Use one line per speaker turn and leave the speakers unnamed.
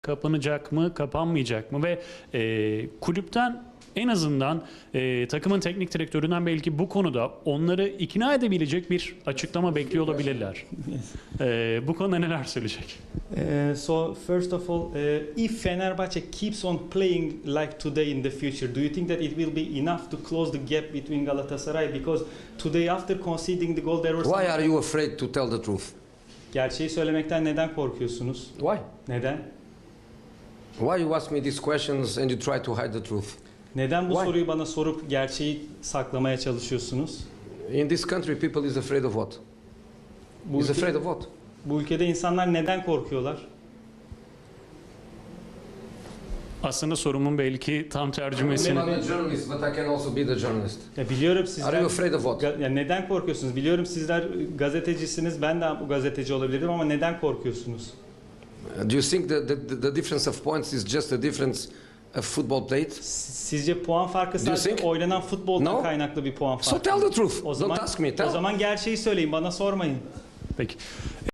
kapanacak mı, kapanmayacak mı ve kulüpten en azından takımın teknik direktöründen belki bu konuda onları ikna edebilecek bir açıklama bekliyor olabilirler. Bu konuda neler söyleyecek?
So first of all, if Fenerbahçe keeps on playing like today in the future, do you think that it will be enough to close the gap between Galatasaray? Because today after conceding the goal there was...
Why are you afraid to tell the truth?
Gerçeği söylemekten neden korkuyorsunuz?
Why?
Neden?
Why you ask me these questions and you try to hide the truth?
Neden bu
Why?
soruyu bana sorup gerçeği saklamaya çalışıyorsunuz?
In this country people is afraid of what?
Bu,
Is afraid of what?
bu ülkede insanlar neden korkuyorlar?
Aslında sorumun belki tam tercümesini...
I'm a journalist but I can also be the journalist.
Ya biliyorum sizler...
Are you afraid of what?
Ya neden korkuyorsunuz? Biliyorum sizler gazetecisiniz, ben de bu gazeteci olabilirim ama neden korkuyorsunuz?
Do you think the difference of points is just a difference of football played?
Sizce puan farkı
Do you
sadece
think?
oynanan futboldan
No.
kaynaklı bir puan farkı?
So tell the truth.
O zaman,
Don't ask me.
o
Tell.
zaman gerçeği söyleyin, bana sormayın.
Peki.